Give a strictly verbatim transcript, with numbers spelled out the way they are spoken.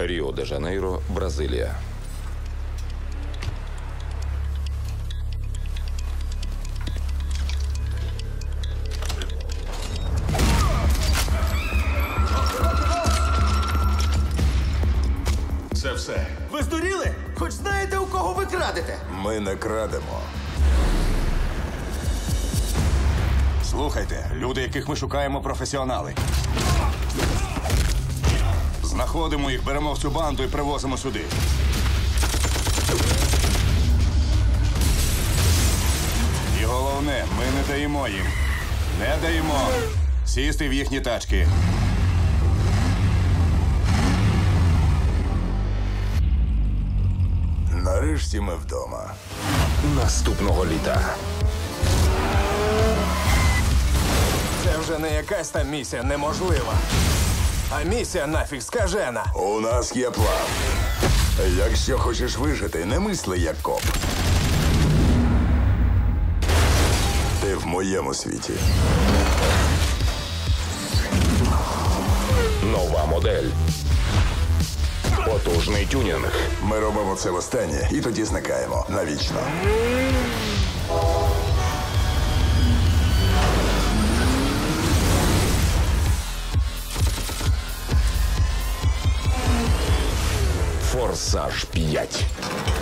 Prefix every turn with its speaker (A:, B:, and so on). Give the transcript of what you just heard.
A: Ріо-де-Жанейро, Бразилія.
B: Це все.
C: Ви здуріли? Хоч знаєте, у кого ви крадете?
D: Ми не крадемо.
B: Слухайте, люди, яких ми шукаємо, професіонали. Знаходимо їх, беремо в цю банду і привозимо сюди. І головне, ми не даємо їм. Не даємо сісти в їхні тачки.
D: Нарешті ми вдома.
A: Наступного літа.
C: Це вже не якась там місія неможлива. А місія нафіг скажена.
D: У нас є план. Якщо хочеш вижити, не мисли як коп. Ти в моєму світі.
A: Нова модель. Потужний тюнінг.
D: Ми робимо це востаннє і тоді зникаємо навічно.
A: Форсаж п'ять.